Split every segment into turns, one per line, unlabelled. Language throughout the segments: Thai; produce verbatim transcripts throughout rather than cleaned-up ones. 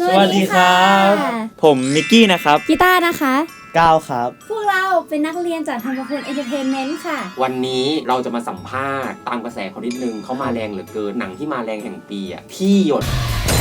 สวัสดีครับผมมิกกี้นะครับ
กีตาร์นะคะ
ก้าวครับ
พวกเราเป็นนักเรียนจากธรรมพลเอนเตอร์เทนเมนต์ค่ะ
วันนี้เราจะมาสัมภาษณ์ตามกระแสเขานิดนึงเขามาแรงเหลือเกินหนังที่มาแรงแห่งปีอ่ะที่หยด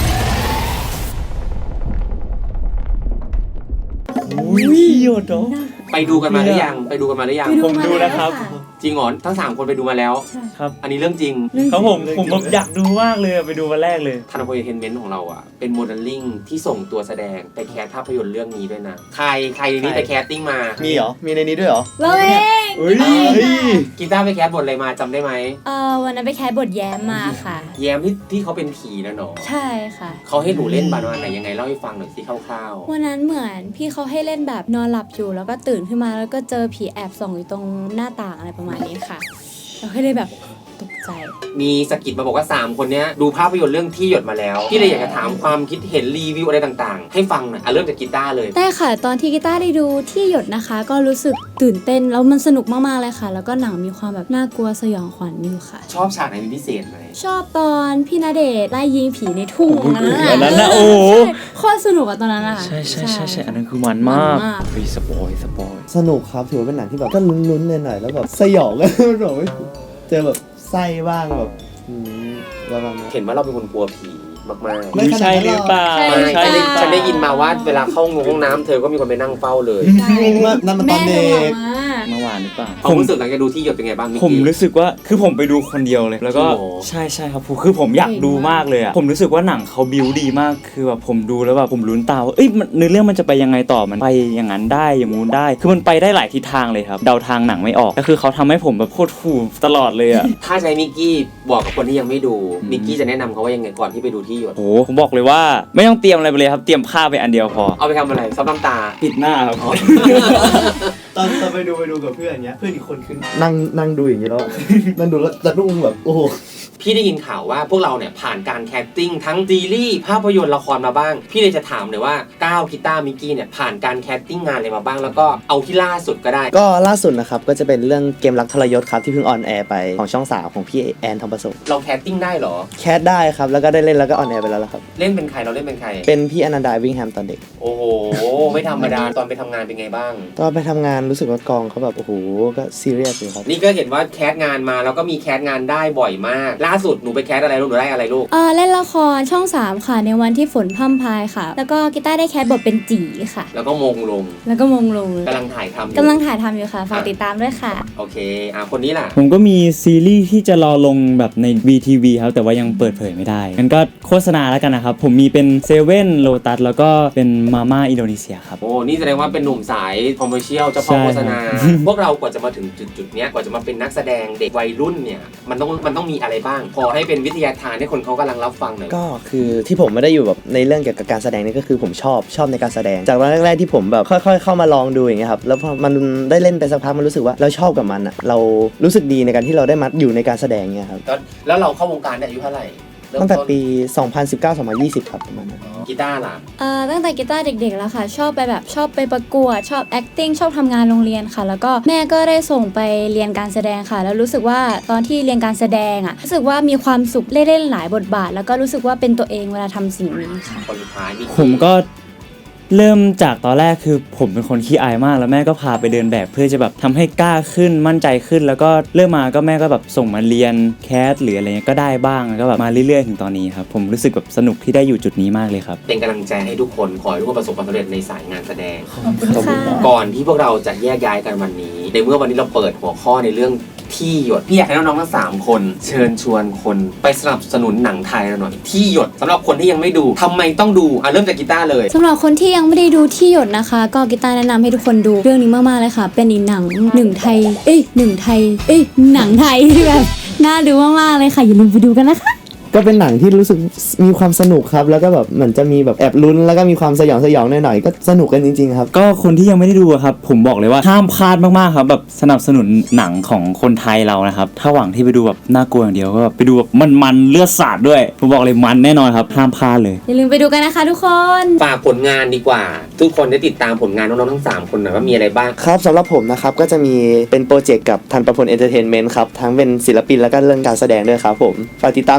อุ้ยหยดเหรอ
ไปดูกันมาหรือยังไปดูกันมาหรือยัง
ผมดูนะครับ
จริงเหรอทั้งสามคนไปดูมาแล้ว
ครับ
อันนี้เรื่องจริง
ครับผมผมแบบอยากดูมากเลยไปดูวันแรกเลย
ธนพลเอนเตอร์เทนเมนต์ของเราอ่ะเป็นโมเดลลิ่งที่ส่งตัวแสดงไปแคสภาพยนตร์เรื่องนี้ด้วยนะใครใครในนี้ไปแคสติ้งมา
มีเหรอมีในนี้ด้วยเหรอ
เราเอง
เฮ้ย
กีตาร์ไปแคสบทอะไรมาจำได้ไหม
เออวันนั้นไปแคสบทแย้มมาค่ะ
แย้มที่ที่เขาเป็นผีนะเนาะ
ใช่ค่ะ
เขาให้หนูเล่นบานวันไหนยังไงเล่าให้ฟังหน่อยสิคร่าว
ๆวันนั้นเหมือนพี่เขาให้เล่นแบบนอนหลับอยู่แล้วก็ตื่นขึ้นมาแล้วก็เจอผีแอบส่องอยู่ตรงหน้าต่างอะไรประมาณนี้ค่ะเราให้เลยแบบตกใจ
มีสกิดมาบอกว่าสามคนนี้ดูภาพยนตร์เรื่องที่หยดมาแล้วพี่เลยอยากจะถามความคิดเห็นรีวิวอะไรต่างๆให้ฟังหน่อยอ่ะเริ่มจากกีตาร์เลย
ได้ค่ะตอนที่กีตาร์ได้ดูที่หยดนะคะก็รู้สึกตื่นเต้นแล้วมันสนุกมากๆเลยค่ะแล้วก็หนังมีความแบบน่ากลัวสยองขวัญอยู่ค่ะ
ชอบฉากไหนเป็นพิเศษไหม
ชอบตอนพี่ณเดชน์ไล่ยิงผีในทุ่ง
นั้นนะโอ้
โคตรสนุกอะตอนนั้นอะ
ใช่ใช่ใช่ใช่อันนั้นคือมันมากฟีสปอยสปอย
สนุกครับถือว่าเป็นหนังที่แบบก็ลุ้นๆหน่อยๆแล้วแบบสยองก็มันแบบเจอแบบไส้บ้างแบบประมาณนั้น
เห็นว่าเราเป็นคนกลัวผีมากๆ
ไม่ใช่หรือเปล่า
ใช่ฉันได้ยินมาว่าเวลาเข้าห้องน้ำเธอก็มีคนไปนั่งเฝ้าเลย
นั่นมันตอนเด็ก
เมื่อวานหรือเปล่า
ผมรู้สึกหลังจากดูที่หยดเป็นไงบ้าง
ผมรู้สึกว่าคือผมไปดูคนเดียวเลยแล้วก็ใช่ใช่ครับคือผมอยากดูมากเลยอ่ะผมรู้สึกว่าหนังเขาบิวดีมากคือแบบผมดูแล้วแบบผมลุ้นตาว่าเอ้ยเนื้อเรื่องมันจะไปยังไงต่อมันไปอย่างนั้นได้อย่างงู้นได้คือมันไปได้หลายทิศทางเลยครับเดาทางหนังไม่ออกก็คือเขาทำให้ผมแบบโคตรฟูตลอดเลยอ่ะ
ถ้าใช้มิกกี้บอกกับคนที่ยังไม่ดูมิกกี้จะแนะนำเขาว่ายังไงก่อนที่ไปดูที่หยด
โอ้ผมบอกเลยว่าไม่ต้องเตรียมอะไรไปเลยครับเตรียมผ้าไปอันเดียวพอ
เอาไปทำอะไรซับน้ำตา
ปิดหน้าครับ
ตอนตอนไปดูไปดูกับเพื่อนอย่างเงี้ยเพื่อนอีกคนขึ้นนั่งนั่งดูอย่างเงี้ยแล้วนั่งดูแล้วจะรุ่งแบบโอ้โห
พี่ได้ยินข่าวว่าพวกเราเนี่ยผ่านการแคสติ้งทั้งซีรีส์ภาพยนตร์ละครมาบ้างพี่เลยจะถามเลยว่าก้าวกีตาร์มิกกี้เนี่ยผ่านการแคสติ้งงานอะไรมาบ้างแล้วก็เอาที่ล่าสุดก็ได้
ก็ล่าสุดนะครับก็จะเป็นเรื่องเกมรักทรยศครับที่เพิ่งออนแอร์ไปของช่องสามของพี่แอนทองผสม
เราแคสติ้งได้เหรอ
แคสได้ครับแล้วก็ได้เล่นแล้วก็ออนแอร์ไปแล้วครับ
เล่นเป็นใครเราเล่นเป็นใคร
เป็นพี่อนันดาวิ่งแฮมตอนเด็ก
โอ้โหไม่ธรรมดาตอนไปทำงานเป็นไงบ้าง
ตอนไปทำงานรู้สึกว่ากองเขาแบบโอ้โหก็ซีเรียสเลยครับ
นี่ก็เห็นว่าแคสงานมาแล้วก็มีแคสงานได้บ่อยมากล่าสุดหนูไปแคสอะไรลูกหนูได้อะไรลูก
เออเล่นละครช่องสามค่ะในวันที่ฝนพร่ำพายค่ะแล้วก็กีตาร์ได้แคสบทเป็นจีค่ะ
แล้วก็มงลง
แล้วก็มงลง
กำลังถ่ายทำ
กำลังถ่ายทำอยู่ค่ะฝากติดตามด้วยค่ะ
โอเคอ่ะคนนี้ล่ะ
ผมก็มีซีรีส์ที่จะรอลงแบบใน วี ที วี ครับแต่ว่ายังเปิดเผยไม่ได้งั้นก็โฆษณาแล้วกันนะครับผมมีเป็นเซเว่นโลตัสแล้วก็เป็นมาม่าอินโดนีเซียครับ
โอ้นี่แสดงว่าเป็นหนุ่มสายคอมเมอร์เชียลเจ้าพ่อโฆษณาพวกเรากว่าจะมาถึงจุดๆเนี้ยกว่าจะมาเป็นนักแสดงเด็กวัยรุ่นเนี่ยมันต้องมันต้องมีอะไรบ้างพอให้เป็นวิทยาทานให้คนเขากำลังรับฟังหน่อย
ก็คือที่ผมไม่ได้อยู่แบบในเรื่องเกี่ยวกับการแสดงนี่ก็คือผมชอบชอบในการแสดงจากวันแรกๆที่ผมแบบค่อยๆเข้ามาลองดูอย่างเงี้ยครับแล้วพอมันได้เล่นไปสักพักมันรู้สึกว่าเราชอบกับมันอ่ะเรารู้สึกดีในการที่เราได้มาอยู่ในการแสดงเงี้ยครับ
แล้วเราเข้าวงการได้อายุเท่าไหร่
ตั้งแต่ปีสองพันสิบเก้า สองพันยี่สิบครับประมาณนั้น
กีตาร์ล่ะ
เอ่อตั้งแต่กีตาร์เด็กๆแล้วค่ะชอบไปแบบชอบไปประกวดชอบ acting ชอบทำงานโรงเรียนค่ะแล้วก็แม่ก็ได้ส่งไปเรียนการแสดงค่ะแล้วรู้สึกว่าตอนที่เรียนการแสดงอ่ะรู้สึกว่ามีความสุขเล่นหลายบทบาทแล้วก็รู้สึกว่าเป็นตัวเองเวลาทำสิ่งนี้ค่ะ
คนสุดท้ายนี่
ผมก็เริ่มจากตอนแรกคือผมเป็นคนขี้อายมากแล้วแม่ก็พาไปเดินแบบเพื่อจะแบบทำให้กล้าขึ้นมั่นใจขึ้นแล้วก็เริ่มมาก็แม่ก็แบบส่งมาเรียนแคสหรืออะไรเงี้ยก็ได้บ้างแล้วก็แบบมาเรื่อยๆถึงตอนนี้ครับผมรู้สึกแบบสนุกที่ได้อยู่จุดนี้มากเลยครับ
เป็นกำลังใจให้ทุกคนขอให้ทุกคนประสบความสำเร็จในสายงานแสดงก่อนที่พวกเราจะแยกย้ายกันวันนี้ในเมื่อวันนี้เราเปิดหัวข้อในเรื่องที่หยดพี่อยากให้น้องๆทั้งสามคนเชิญชวนคนไปสนับสนุนหนังไทยเราหน่อยที่หยดสำหรับคนที่ยังไม่ดูทำไมต้องดูอ่ะเริ่มจากกีตาร์เลย
สำหรับคนที่ยังไม่ได้ดูที่หยดนะคะก็กีตาร์แนะนำให้ทุกคนดูเรื่องนี้มากๆเลยค่ะเป็นอีกหนังหนึ่งไทยเอ้ยหนึ่งไทยเอ้ยหนังไทยที่แบบน่าดูมากๆเลยค่ะอย่าลืมไปดูกันนะคะ
ก็เป็นหนังที่รู้สึกมีความสนุกครับแล้วก็แบบเหมือนจะมีแบบแอบลุ้นแล้วก็มีความสยองสยองหน่อยๆก็สนุกกันจริงๆครับ
ก็คนที่ยังไม่ได้ดูครับผมบอกเลยว่าห้ามพลาดมากๆครับแบบสนับสนุนหนังของคนไทยเรานะครับถ้าหวังที่ไปดูแบบน่ากลัวอย่างเดียวก็แบบไปดูแบบมันๆเลือดสาดด้วยผมบอกเลยมันแน่นอนครับห้ามพลาดเลย
อย่าลืมไปดูกันนะคะทุกคน
ฝากผลงานดีกว่าทุกคนได้ติดตามผลงานน้องๆทั้งสามคนหน่อยว่ามีอะไรบ้าง
ครับสำหรับผมนะครับก็จะมีเป็นโปรเจกต์กับธันประพลเอนเตอร์เทนเมนต์ครับทั้งเป็นศิลปินแล้วก็เรื่องการแสดงด้วยครับผมฝากติดตามด้วยนะครับ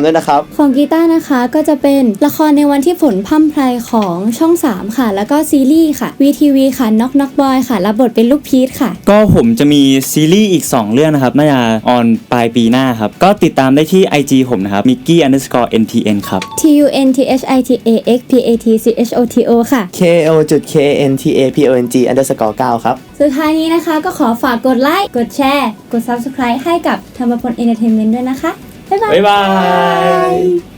ของกีตาร์นะคะก็จะเป็นละครในวันที่ฝนพร่ำไพรของช่องสามค่ะแล้วก็ซีรีส์ค่ะ วี ที วี ค่ะ Knock Knock Boy ค่ะรับบทเป็นลูกพีชค่ะ
ก็ผมจะมีซีรีส์อีกสองเรื่องนะครับน่าจะออนปลายปีหน้าครับก็ติดตามได้ที่ ไอ จี ผมนะครับ mickey underscore ntn ครับ
T U N T H I T A X P A T C H O T O ค่ะ
K O K N T A P O N G underscore เก้าครับ
สุดท้ายนี้นะคะก็ขอฝากกดไลค์กดแชร์กด Subscribe ให้กับธรรมพล Entertainment ด้วยนะคะบ๊ายบาย
บ๊ายบาย